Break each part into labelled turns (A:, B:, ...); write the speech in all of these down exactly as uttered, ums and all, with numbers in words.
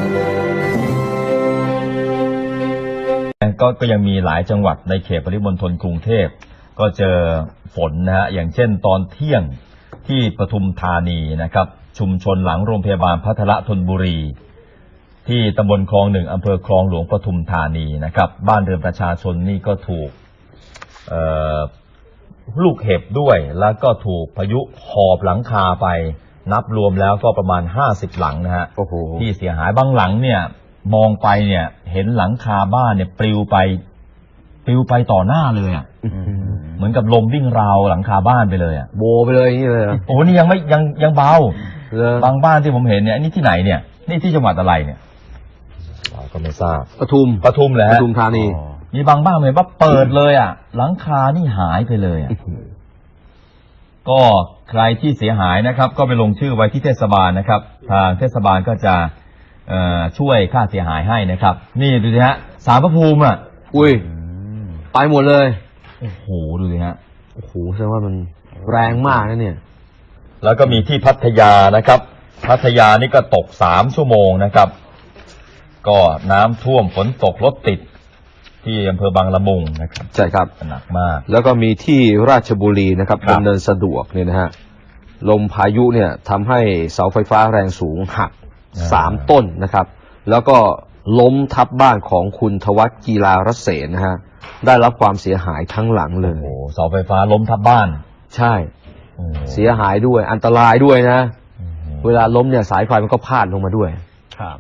A: ก็ก็ยังมีหลายจังหวัดในเขตปริมณฑลกรุงเทพก็เจอฝนนะฮะอย่างเช่นตอนเที่ยงที่ปทุมธานีนะครับชุมชนหลังโรงพยาบาลพัทละธนบุรีที่ตำบลคลองหนึ่งอำเภอคลองหลวงปทุมธานีนะครับบ้านเรือนประชาชนนี่ก็ถูกลูกเห็บด้วยแล้วก็ถูกพายุหอบหลังคาไปนับรวมแล้วก็ประมาณห้าสิบหลังนะฮะที่เสียหายบางหลังเนี่ยมองไปเนี่ยเห็นหลังคาบ้านเนี่ยปลิวไปปลิวไปต่อหน้าเลยอ่ะเหมือนกับลมวิ่งราวหลังคาบ้านไปเลยอ่ะโบไปเลยนี่เลยโอ้นี่ยังไม่ยังยังเบาบางบ้านที่ผมเห็นเนี่ยนี่ที่ไหนเนี่ยนี่ที่จังหวัดอะไรเนี่ยเราก็ไม่ทราบปทุมปทุมแหละปทุมธานีมีบางบ้านเห็นว่าเปิดเลยอ่ะหลังคานี่หายไปเลยอ่ะก็ใครที่เสียหายนะครับก็ไปลงชื่อไว้ที่เทศบาลนะครับทางเทศบาลก็จะช่วยค่าเสียหายให้นะครับนี่ดูสิฮะศาลพระภูมิอ่ะอุ้ยไปหมดเลยโอ้โหดูสิฮะโอ้โหแสดงว่ามันแรงมากนะเนี่ยแล้วก็มีที่พัทยานะครับพัทยานี่ก็ตกสามชั่วโมงนะครับก็น้ำท่วมฝนตกรถติดที่อำเภอบางละมุงนะครับใช่ครับหนักมากแล้วก็มีที่ราชบุรีนะครับดำเนินสะดวกเนี่ยนะฮะลมพายุเนี่ยทำให้เสาไฟฟ้าแรงสูงหักสามต้นนะครับแล้วก็ล้มทับบ้านของคุณทวัฒน์กีฬารเสนนะฮะได้รับความเสียหายทั้งหลังเลยโอ้เสาไฟฟ้าล้มทับบ้านใช่เสียหายด้วยอันตรายด้วยนะเวลาล้มเนี่ยสายไฟมันก็พาดลงมาด้วยครับ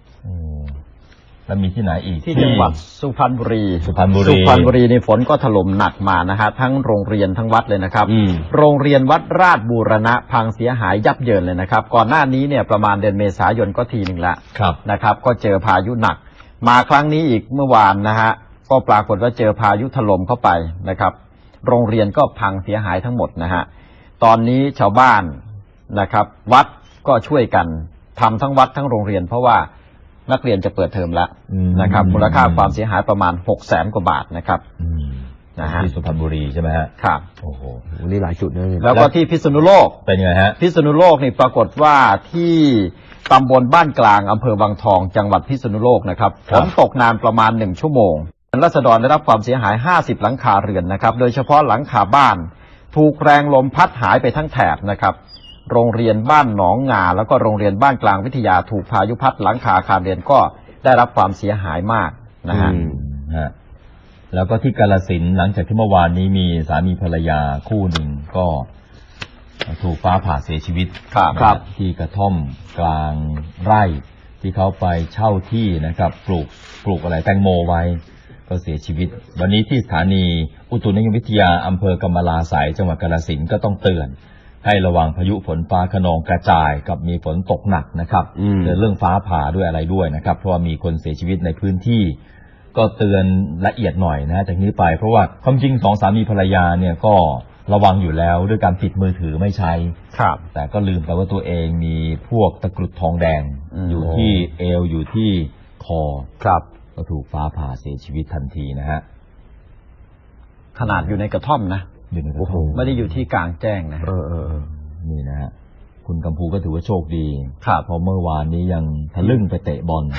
A: แล้วมีที่ไหนอีกที่จังหวัดสุพรรณบุรีสุพรรณบุรีสุพรรณบุรีในฝนก็ถล่มหนักมานะฮะทั้งโรงเรียนทั้งวัดเลยนะครับโรงเรียนวัดราชบูรณะพังเสียหายยับเยินเลยนะครับก่อนหน้านี้เนี่ยประมาณเดือนเมษายนก็ทีหนึ่งละนะครับก็เจอพายุหนักมาครั้งนี้อีกเมื่อวานนะฮะก็ปรากฏว่าเจอพายุถล่มเข้าไปนะครับโรงเรียนก็พังเสียหายทั้งหมดนะฮะตอนนี้ชาวบ้านนะครับวัดก็ช่วยกันทำทั้งวัดทั้งโรงเรียนเพราะว่านักเรียนจะเปิดเทอมแล้วนะครับมูลค่าความเสียหายประมาณหกแสนกว่าบาทนะครับนะฮะที่สุพรรณบุรีใช่ไหมฮะครับโอ้โหนี่หลายจุดนะแล้วก็ที่พิษณุโลกเป็นไงฮะพิษณุโลกนี่ปรากฏว่าที่ตำบลบ้านกลางอำเภอบางทองจังหวัดพิษณุโลกนะครับฝนตกนานประมาณหนึ่งชั่วโมงราษฎรได้รับความเสียหายห้าสิบหลังคาเรือนนะครับโดยเฉพาะหลังคาบ้านถูกแรงลมพัดหายไปทั้งแถบนะครับโรงเรียนบ้านหนองงาแล้วก็โรงเรียนบ้านกลางวิทยาถูกพายุพัดหลังคาอาคารเรียนก็ได้รับความเสียหายมากนะฮะแล้วก็ที่กาฬสินธุ์หลังจากที่เมื่อวานนี้มีสามีภรรยาคู่หนึ่งก็ถูกฟ้าผ่าเสียชีวิตครับที่กระท่อมกลางไร่ที่เขาไปเช่าที่นะครับปลูกปลูกอะไรแตงโมไว้ก็เสียชีวิตวันนี้ที่สถานีอุตุนิยมวิทยาอำเภอกำมะลาไสยจังหวัดกาฬสินธุ์ก็ต้องเตือนให้ระวังพายุฝนฟ้าคะนองกระจายกับมีฝนตกหนักนะครับเตือนเรื่องฟ้าผ่าด้วยอะไรด้วยนะครับเพราะว่ามีคนเสียชีวิตในพื้นที่ก็เตือนละเอียดหน่อยนะจากนี้ไปเพราะว่าความจริงสองสามีภรรยาเนี่ยก็ระวังอยู่แล้วด้วยการปิดมือถือไม่ใช้ครับแต่ก็ลืมไปว่าตัวเองมีพวกตะกรุดทองแดงอยู่ที่เอวอยู่ที่คอครับก็ถูกฟ้าผ่าเสียชีวิตทันทีนะฮะขนาดอยู่ในกระท่อมนะโอ้โหไม่ได้อยู่ที่กลางแจ้งนะเออเออนี่นะฮะคุณกัมพูก็ถือว่าโชคดีครับเพราะเมื่อวานนี้ยังทะลึ่งไปเตะบอล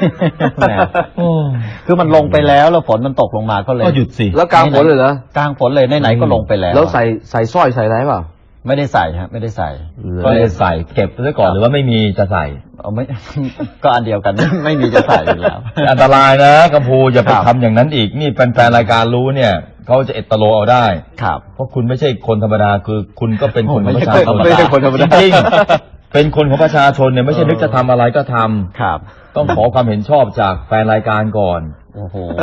A: คือมันลงไปแล้วแล้วฝนมันตกลงมาก็เลยก็หยุดสิแล้วกลางฝนเลยเหรอกลางฝนเลยไหนๆก็ลงไปแล้วแล้วใส่ใส่สร้อยใส่อะไรเปล่าไม่ได้ใส่ฮะไม่ได้ใส่ก็เลยใส่เก็บไว้ก่อนหรือว่าไม่มีจะใส่เอาไม่ก็อันเดียวกันไม่มีจะใส่แล้วอันตรายนะกัมพูอย่าไปทำอย่างนั้นอีกนี่แฟนๆรายการรู้เนี่ยเขาจะเอตโลเอาได้ครับเพราะคุณไม่ใช่คนธรรมดาคือคุณก็เป็นคนของประชาชนไม่ใช่คนธรรมดาจริงเป็นคนของประชาชนเนี่ยไม่ใช่นึกจะทำอะไรก็ทำครับต้องขอความเห็นชอบจากแฟนรายการก่อนโอ้โห